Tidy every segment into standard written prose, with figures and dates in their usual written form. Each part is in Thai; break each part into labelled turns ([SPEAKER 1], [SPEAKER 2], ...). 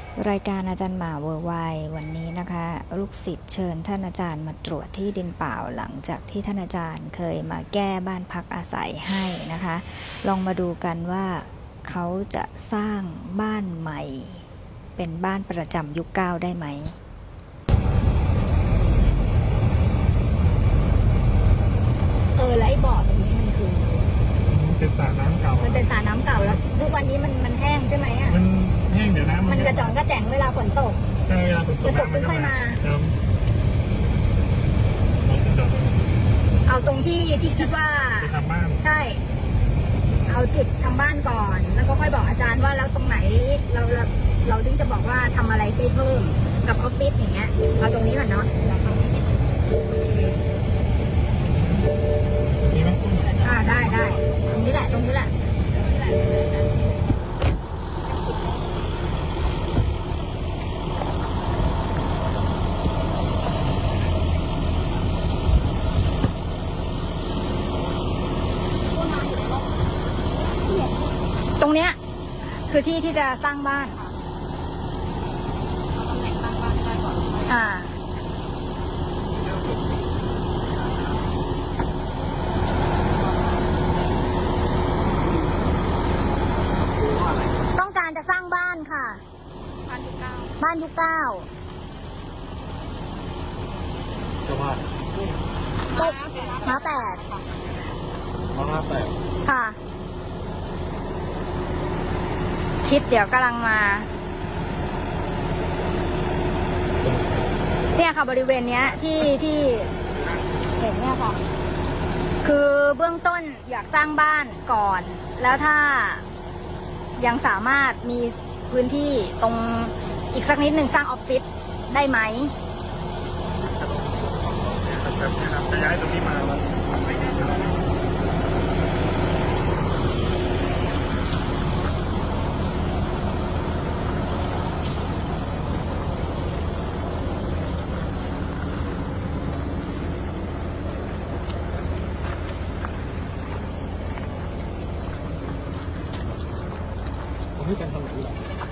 [SPEAKER 1] รายการอาจารย์หมาเวอร์ไววันนี้นะคะลูกศิษย์เชิญท่านอาจารย์มาตรวจที่ดินเปล่าหลังจากที่ท่านอาจารย์เคยมาแก้บ้านพักอาศัยให้นะคะลองมาดูกันว่าเขาจะสร้างบ้านใหม่เป็นบ้านประจำยุคเก้าได้ไหม
[SPEAKER 2] แล้วไอ้บ่อตรงนี้มันคือ
[SPEAKER 3] เป็นสระน้ำเก่า
[SPEAKER 2] มันเป็นสระน้ำเก่าแล้วทุกวันนี้มันแห้งใช่ไหมอ่ะ
[SPEAKER 3] มันแห้งเดี๋ยวน้ำ
[SPEAKER 2] มันกระจ่องกระแจ๋งเวลาฝนตก
[SPEAKER 3] ใช่เวลาฝนตก
[SPEAKER 2] มันค่อยมา
[SPEAKER 3] ครับ
[SPEAKER 2] เอาตรงที่คิดว่า
[SPEAKER 3] ทำบ้าน
[SPEAKER 2] ใช่เอาจุดทำบ้านก่อนแล้วก็ค่อยบอกอาจารย์ว่าแล้วตรงไหนเราถึงจะบอกว่าทำอะไรได้เพิ่มกับออฟฟิศอย่างเงี้ยเอาตรงนี้ก่อนเนาะโอเค
[SPEAKER 3] มีไหม
[SPEAKER 2] ได้ตรงนี้แหละตรงเนี้ยคือที่จะสร้างบ้านต้องการจะสร้างบ้านค่ะบ้านยุคเก้าม้าแปดค่ะทิศเดี๋ยวกำลังมาเนี่ยค่ะบริเวณเนี้ยที่เห็นเนี่ยค่ะคือเบื้องต้นอยากสร้างบ้านก่อนแล้วถ้ายังสามารถมีพื้นที่ตรงอีกสักนิดหนึ่งสร้างออฟฟิศได้ไหม
[SPEAKER 3] จะย้ายตรงนี้มาแล้วที่การทำแบบนี้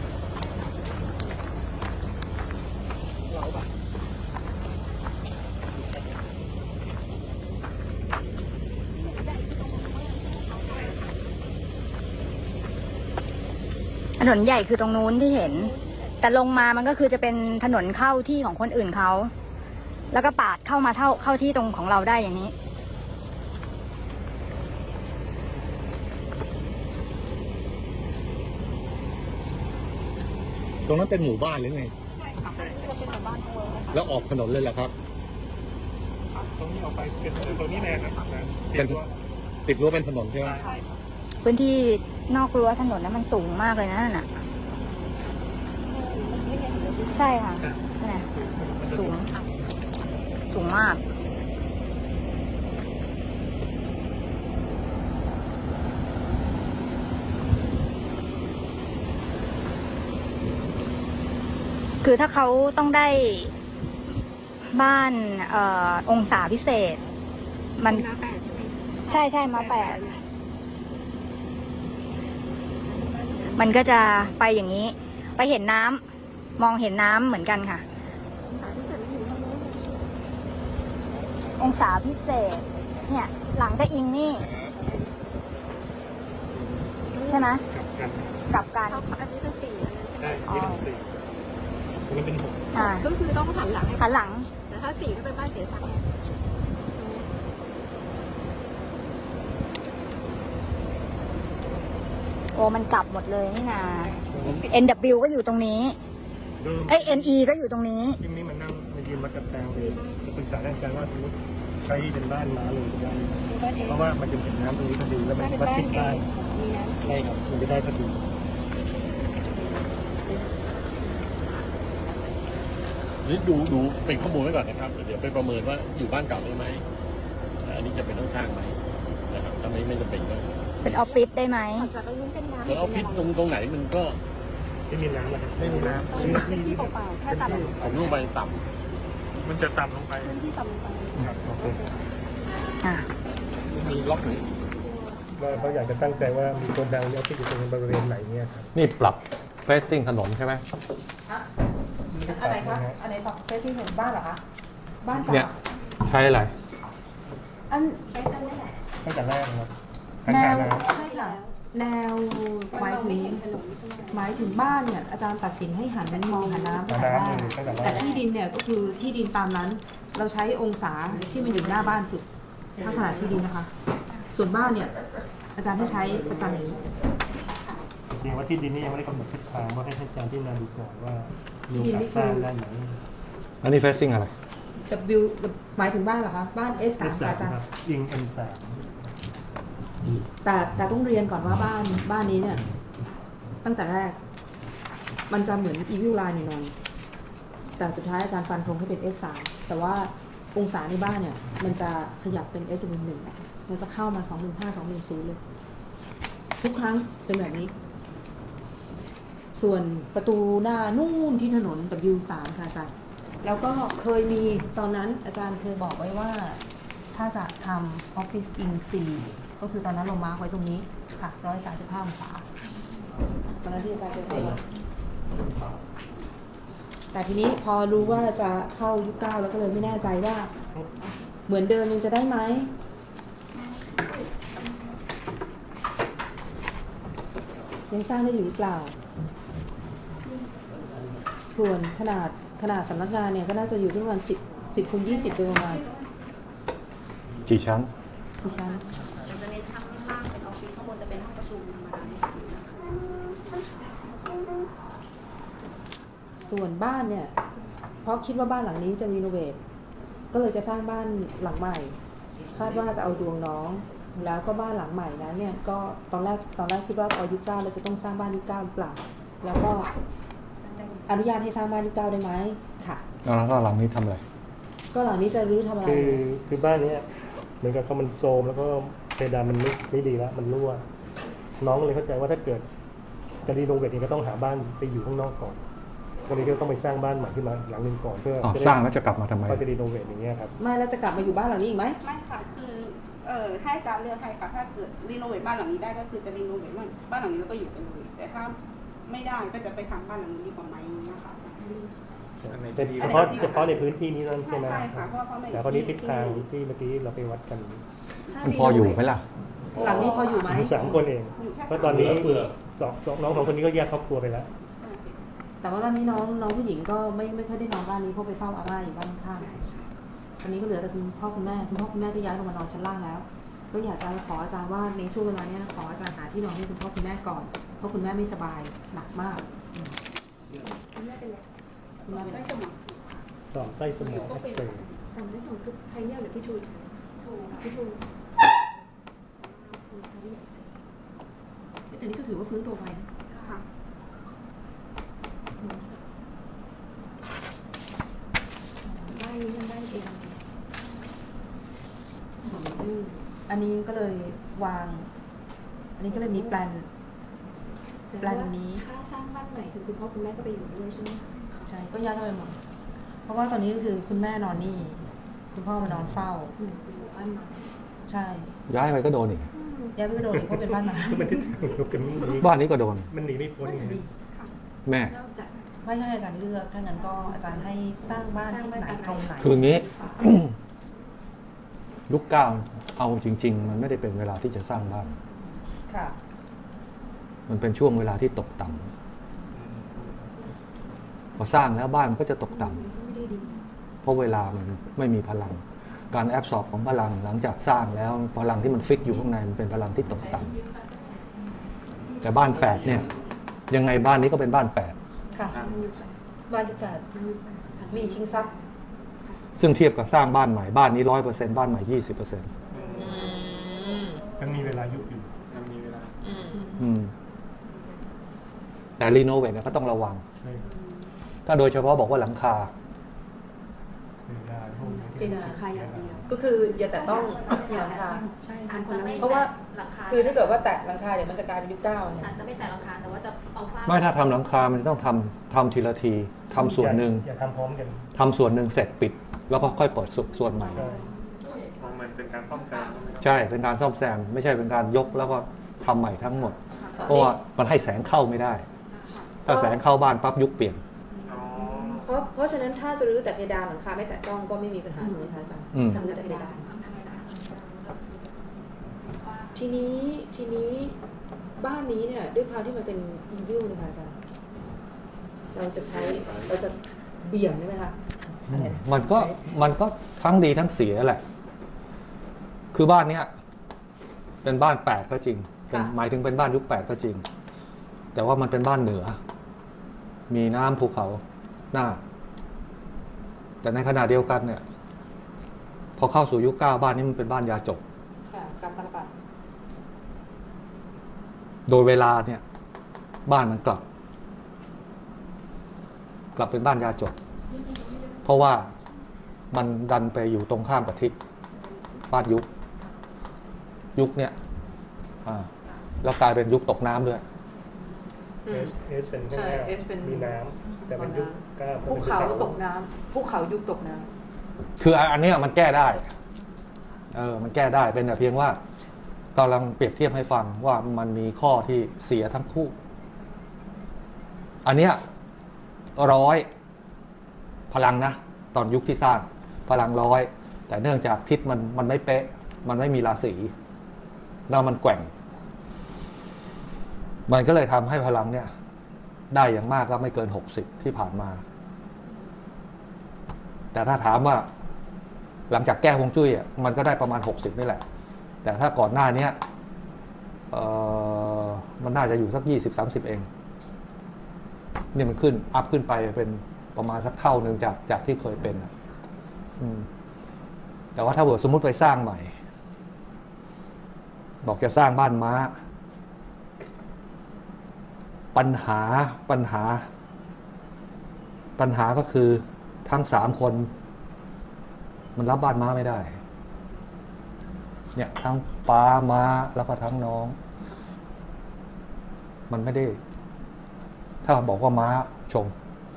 [SPEAKER 2] ถนนใหญ่คือตรงนู้นที่เห็นแต่ลงมามันก็คือจะเป็นถนนเข้าที่ของคนอื่นเขาแล้วก็ปาดเข้ามาเข้าที่ตรงของเราได้อย่างนี้
[SPEAKER 4] ตรงนั้นเป็นหมู่บ้านหรือไง
[SPEAKER 2] ใช่ค่ะเป็นหมู่บ้าน
[SPEAKER 4] แล้วออกถนนเลยเหรอครับ
[SPEAKER 3] ตรงนี้ออกไปเป็นตรงนี้แน่นะครับ
[SPEAKER 4] ติดรั้วเป็นถนนใช่ไหม
[SPEAKER 2] พื้นที่นอกรั้วถนนนั้นมันสูงมากเลยนะน่ะใช่ค่ะนี่สูงมากคือถ้าเขาต้องได้บ้านองศาพิเศษมันมาแปดใช่มาแปดมันก็จะไปอย่างนี้ไปเห็นน้ำมองเห็นน้ำเหมือนกันค่ะองศาพิเศษเนี่ยหลังจะอิงนี่ใช่ไหมกับกัน
[SPEAKER 5] อันนี้เป็นสี่
[SPEAKER 3] ใช่อันนี้เป็นสี่มันเป็นหก
[SPEAKER 5] ก็คือต้องหันหลัง
[SPEAKER 2] หันหลัง
[SPEAKER 5] แต่ถ้าสี่ก็เป็นบ้านเสียศักดิ์
[SPEAKER 2] โอ้มันกลับหมดเลยนี่นา NW ก็อยู่ตรงนี้NE ก็อยู่ตรงนี้
[SPEAKER 3] ทีนี้มันนั่งมายืนมากับแตงเลยจะปรึกษาด้านการว่าสมมติใช้เป็นบ้านม้าเลยได้เพราะว่ามันจะเห็นน้ำตรงนี้พอดีแล้วมันวัดติดได้ใช่ครับมันจะได้พอดี
[SPEAKER 4] นี่ดูเป็นข้อมูลไว้ก่อนนะครับเดี๋ยวไปประเมินว่าอยู่บ้านเก่าได้ไหมอันนี้จะเป็นต้องสร้างไหมนะครับถ้าไม่จำเป็นก็
[SPEAKER 2] เป็นออฟฟิศได้ไหม
[SPEAKER 5] จะต้องเป็นน้ำ
[SPEAKER 4] แล้วออฟฟิศตรงไหนมันก็
[SPEAKER 3] ไม่มีน้ำนะครับไม่มีน้ำ
[SPEAKER 5] ที่เปล่าแค่ต่ำ
[SPEAKER 4] ผมลงไปต่ำ
[SPEAKER 3] มันจะต่ำลงไป
[SPEAKER 5] ที่ต่ำลงไป
[SPEAKER 3] โอเค
[SPEAKER 4] มีล็อกไหน
[SPEAKER 3] ว่าเขาอยากจะตั้งใจว่ามีคนดังเนี่ยที่อยู่ตรงบริเวณไหนเนี่ยครับ
[SPEAKER 4] นี่ปรับ
[SPEAKER 6] facing ถนนใช่ไหม
[SPEAKER 5] อะไรคะอันไหนบอกเฟซที่เห็นบ้านเหรอคะบ้านเป
[SPEAKER 6] เนี่ย
[SPEAKER 5] ล่า
[SPEAKER 6] ใช้อะไร
[SPEAKER 5] อันใช้กันนี่แหละ
[SPEAKER 3] ตั้งแต่แรกนะครับ
[SPEAKER 5] แน
[SPEAKER 3] ทาง
[SPEAKER 5] ว
[SPEAKER 3] การน้ำ
[SPEAKER 5] ใช่ค่ะแนวหมายถึงบ้านเนี่ยอาจารย์ตัดสินให้หันมองหาน้ำตั้งแต่แรกแต่ที่ดินเนี่ยก็คือที่ดินตามนั้น เราใช้องศาที่มันอยู่หน้าบ้านสุดถ้าขนาดที่ดินนะคะ ส่วนบ้านเนี่ยอาจารย์ให้ใช้ประจำอย่างนี้
[SPEAKER 3] จริงๆว่าที่ดินนี่ยังไม่ได้กำหนดทิศทางว่าให้อาจารย์ที่นาดูก่อนว่ามีโอกาสสร้างได้ไหม
[SPEAKER 6] อันนี้ facing อะไร
[SPEAKER 5] W หมายถึงบ้านเหรอคะบ้าน S3
[SPEAKER 3] S3
[SPEAKER 5] ค่ะอาจารย์
[SPEAKER 3] ครับยิง M3
[SPEAKER 5] แต่ต้องเรียนก่อนว่าบ้านนี้เนี่ย ตั้งแต่แรก มันจะเหมือน Evil Line หน่อยๆแต่สุดท้ายอาจารย์ฟันธงให้เป็น S3 แต่ว่าองศาในบ้านเนี่ย มันจะขยับเป็น S1 มันจะเข้ามา215 210เลยทุกครั้งเป็นแบบนี้ ส่วนประตูหน้านู่นที่ถนน W3 ค่ะอาจารย์แล้วก็เคยมีตอนนั้นอาจารย์เคยบอกไว้ว่า ถ้าจะทำ Office in 4 ก็คือตอนนั้นเรามาร์คไว้ตรงนี้ค่ะ135 องศาตอนนั้นที่อาจารย์เคยบอกไว้แต่ทีนี้พอรู้ว่าจะเข้ายุค9แล้วก็เลยไม่แน่ใจว่า เหมือนเดิมยังจะได้ไหมยังสร้างได้อยู่หรือเปล่า ส่วนขนาดสำนักงานเนี่ยก็น่าจะอยู่ที่ประมาณ10 คูณ 20โดยประมาณ
[SPEAKER 6] กี่ชั้น
[SPEAKER 5] กี่ชั้นจะเน้นชั้นล่างเป็นออฟฟิศข้างบนจะเป็นห้องประชุมธรรมดา ส่วนบ้านเนี่ย เพราะคิดว่าบ้านหลังนี้จะรีโนเวทก็เลยจะสร้างบ้านหลังใหม่ คาดว่าจะเอาดวงน้อง แล้วก็บ้านหลังใหม่นั้นเนี่ยก็ตอนแรกคิดว่าพอยุค9เราจะต้องสร้างบ้านยุค9หรือเปล่าแล้วก็อนุญาตให้สร้างบ้านยุค9ได้ไหมค่ะ
[SPEAKER 6] แล้วก็หลังนี้ทำอะไร
[SPEAKER 5] ก็หลังนี้จะรื้อทำอะไร
[SPEAKER 3] คือบ้านเนี้ยเหมือนกับเขามันโทรมแล้วก็เพดานมันไม่ดีแล้วมันรั่วน้องเลยเข้าใจว่าถ้าเกิดจะรีโนเวทเองก็ต้องหาบ้านไปอยู่ข้างนอกก่อนก็เลยก็ต้องไปสร้างบ้านใหม่ขึ้นมาหลังนึงก่อนเพื่อ
[SPEAKER 6] สร้างแล้วจะกลับมาทำไม
[SPEAKER 3] ก็จะรีโนเวทอย่างเงี้ยครับ
[SPEAKER 5] ไม่แล้วจะกลับมาอยู่บ้านหลังนี้อีกไหม
[SPEAKER 7] ไม่ค่ะคือให้อาจารย์เลือกให้ค่ะถ้าเกิดรีโนเวทบ้านหลังนี้ได้ก็คือจะรีโนเวทบ้านหลังนี้แล้วก็อยู่กันเลยแต่ถ้าไม่ได้ก็จะไปทำบ้านหลังนี้ดีกว่าไหมนะคะ
[SPEAKER 3] เฉพาะในพื้นที่นี้นั่นใช่ไหม
[SPEAKER 7] ใช่ค่ะเพราะว่าไม่
[SPEAKER 3] แต่คราวนี้ทิศทางที่เมื่อกี้เราไปวัดกัน
[SPEAKER 6] มันพออยู่ไหมล่ะ
[SPEAKER 5] หลังนี้พออยู่ไหม
[SPEAKER 3] อยู่3 คนเอง
[SPEAKER 7] อยู่แค่
[SPEAKER 3] เพราะตอนนี้น้อง2 คนนี้ก็แยกครอบครัวไปแล้ว
[SPEAKER 5] แต่ว่าตอนนี้น้องผู้หญิงก็ไม่ค่อยได้นอนบ้านนี้เพราะไปเฝ้าอาม่าอยู่บ้านข้างตอนนี้ก็เหลือแต่คุณพ่อคุณแม่ก็ย้ายลงมานอนชั้นล่างแล้ว ก็อยากจะขออาจารย์ว่าในช่วงเวลานี้ขออาจารย์หาที่นอนให้คุณพ่อคุณแม่ก่อนเพราะคุณแม่ไม่สบายหนักมาก
[SPEAKER 7] คุณแม่เป็นไร
[SPEAKER 5] คุณแม่เป็น
[SPEAKER 7] ได้สมอง
[SPEAKER 3] ต่อมใต้สมองอักเสบ
[SPEAKER 5] ตอนนี้ของคือใครเนี่ยหรือพี่ทูนพี่ทูนแต่นี่ก็ถือว่าฟื้นตัวไปนะ
[SPEAKER 7] ค่ะ
[SPEAKER 5] ได้ยังได้เองอันนี้ก็เลยวาง อันนี้ก็เลยมีแปลนนี้
[SPEAKER 8] ถ้าสร้างบ้านใหม่คือคุณพ่อคุณแม่ก็ไปอยู่ด้วยใช่ไหมคะ
[SPEAKER 5] ใช่ก็ย้ายเข้าไปหมดเพราะว่าตอนนี้ก็คือคุณแม่นอนนี่ คุณพ่อมานอนเฝ้า
[SPEAKER 8] อยู่บ้านใหม่
[SPEAKER 5] ใช่
[SPEAKER 6] ย้ายไปก็โดนอีก
[SPEAKER 5] ย้ายไปกระโดดอีกเพราะเป็นบ้านไม้
[SPEAKER 3] คือมันทิศทางเดียวกันมันหนี
[SPEAKER 6] บ้านนี้ก็โดน
[SPEAKER 3] มันหนีไม่พ้นไง
[SPEAKER 6] แม่
[SPEAKER 8] นอกจาก
[SPEAKER 5] ไม่ให้อาจารย์เลือกถ้างั้นก็อาจารย์ให้สร้างบ้านที่ไหนตรงไหน
[SPEAKER 6] คืออย่างนี้ ยุคเก้าเอาจริง ๆ มันไม่ได้เป็นเวลาที่จะสร้างบ้าน
[SPEAKER 5] ค่ะ
[SPEAKER 6] มันเป็นช่วงเวลาที่ตกต่ำพอสร้างแล้วบ้านมันก็จะตกต่ำ
[SPEAKER 8] ไม่ได้ดี
[SPEAKER 6] เพราะเวลามันไม่มีพลัง การแอบสอบของพลังหลังจากสร้างแล้วพลังที่มันฟิกอยู่ข้างในมันเป็นพลังที่ตกต่ำแต่บ้าน8เนี่ย ยังไงบ้านนี้ก็เป็นบ้าน8
[SPEAKER 5] ค่ะ บ้านที่การมีชิงทรัพย์
[SPEAKER 6] ซึ่งเทียบกับสร้างบ้านใหม่บ้านนี้ 100%บ้านใหม่ 20%
[SPEAKER 3] ยังมีเวลายุบอยู่
[SPEAKER 6] แต่รีโนเวทเนี่ยก็ต้องระวัง
[SPEAKER 3] ใช่
[SPEAKER 6] ถ้าโดยเฉพาะบอกว่าหลังคา
[SPEAKER 3] เวลาพวกนี้
[SPEAKER 5] เป็น
[SPEAKER 8] ราคาอย่างเดียว
[SPEAKER 5] ก็คืออย่าแต่ต้องหลังคา
[SPEAKER 8] ใช่เป็นคนละไม่
[SPEAKER 5] เพราะว่า
[SPEAKER 2] หลังคา
[SPEAKER 5] คือถ้าเกิดว่าแตะหลังคาเดี๋ยวมันจะกลายเป็นยุคเก้าเนี่ย
[SPEAKER 2] อาจจะไม่ใส่หลังคาแต่ว่าจะเอาฝ้า
[SPEAKER 6] ไม่ถ้าทำหลังคา มันต้องทำทีละทีทำส่วนหนึ่ง
[SPEAKER 3] อย่าทำพร้อมกัน
[SPEAKER 6] ทำส่วนหนึ่งเสร็จปิด แล้วก็ค่อยเปิดส่วนใหม่
[SPEAKER 3] ใช่มันเป็นการป้องกัน
[SPEAKER 6] ใช่เป็นการซ่อมแซมไม่ใช่เป็นการยกแล้วก็ทำใหม่ทั้งหมด เพราะว่ามันให้แสงเข้าไม่ได้
[SPEAKER 5] ต
[SPEAKER 6] ถ้าแสงเข้าบ้านปั๊บยุคเปลี่ยน
[SPEAKER 5] เพราะฉะนั้นถ้าจะรื้อแต่เพดานหลังคาไม่แตะต้องก็ไม่มีปัญหาถูกไหมคะอาจารย์
[SPEAKER 6] อืม
[SPEAKER 5] ทำแต่เพดานทีนี้บ้านนี้เนี่ยด้วยความที่มันเป็นอีวิลนะคะอาจารย์เราจะเบี่ยงได้ไหมคะอะไรนะ
[SPEAKER 6] มันก็ทั้งดีทั้งเสียแหละ คือบ้านเนี้ยเป็นบ้าน8ก็จริงหมายถึงเป็นบ้านยุค8ก็จริง แต่ว่ามันเป็นบ้านเหนือ มีน้ำภูเขาหน้า แต่ในขณะเดียวกันเนี่ย พอเข้าสู่ยุค9บ้านนี้มันเป็นบ้านยาจก
[SPEAKER 5] ค่ะการตลาด
[SPEAKER 6] โดยเวลาเนี่ย บ้านมันกลับเป็นบ้านยาจก เพราะว่ามันดันไปอยู่ตรงข้ามกับทิศบ้านยุคเนี่ยแล้วกลายเป็นยุคตกน้ำด้วย
[SPEAKER 3] S เป็นข้างหน้ามีน้ำแต่เป็นยุคก้า
[SPEAKER 5] ภูเขาตกน้ำภูเขายุคตกน้ำ
[SPEAKER 6] คืออันเนี้ยมันแก้ได้ มันแก้ได้เป็นแต่เพียงว่ากำลังเปรียบเทียบให้ฟังว่ามันมีข้อที่เสียทั้งคู่ อันเนี้ย100พลังนะตอนยุคที่สร้างพลัง100แต่เนื่องจากทิศมันไม่เป๊ะมันไม่มีราศีแล้วมันแกว่ง มันก็เลยทำให้พลังเนี่ยได้อย่างมากก็ไม่เกิน60ที่ผ่านมา แต่ถ้าถามว่าหลังจากแก้ฮวงจุ้ยมันก็ได้ประมาณ60นี่แหละแต่ถ้าก่อนหน้านี้มันน่าจะอยู่สัก20-30เองนี่มันขึ้นอัพขึ้นไปเป็นประมาณสักเท่านึงจากที่เคยเป็นแต่ว่าถ้าสมมุติไปสร้างใหม่บอกจะสร้างบ้านม้าปัญหาก็คือทั้ง3คนมันรับบ้านม้าไม่ได้เนี่ยทั้งป้าม้าแล้วก็ทั้งน้องมันไม่ได้ถ้าบอกว่าม้าชง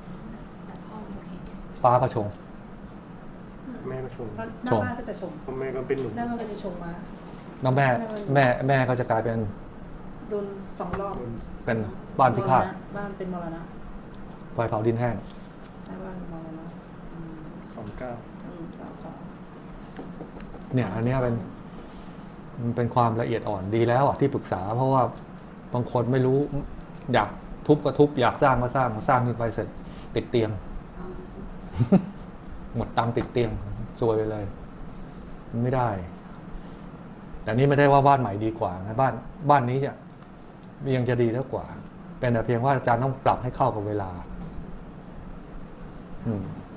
[SPEAKER 6] ป้าก็ชง
[SPEAKER 3] แม่ก็ชม
[SPEAKER 5] หน้าบ้านก็จะชม
[SPEAKER 3] แม่ก็เป็นหนุ่ม
[SPEAKER 5] หน้าบ้านก็จะชมมา
[SPEAKER 6] แล้วแม่ก็จะกลายเป็น
[SPEAKER 5] โดน2 รอบ
[SPEAKER 6] เป็นบ้านพิฆาต
[SPEAKER 5] บ้านเป็นมรณะ
[SPEAKER 6] ไฟเผาดินแห้ง
[SPEAKER 5] หน้าบ้านมรณะ
[SPEAKER 3] 29
[SPEAKER 6] เนี่ยอันนี้มันเป็นความละเอียดอ่อนดีแล้วที่ปรึกษาเพราะว่าบางคนไม่รู้อยากทุบก็ทุบอยากสร้างก็สร้างขึ้นไปเสร็จติดเตียง หมดตังค์ติดเตียงซวยไปเลยมันไม่ได้แต่นี้ไม่ได้ว่าบ้านใหม่ดีกว่านะบ้านนี้เนี่ยยังจะดีแล้วกว่าเป็นแต่เพียงว่าอาจารย์ต้องปรับให้เข้ากับเวลา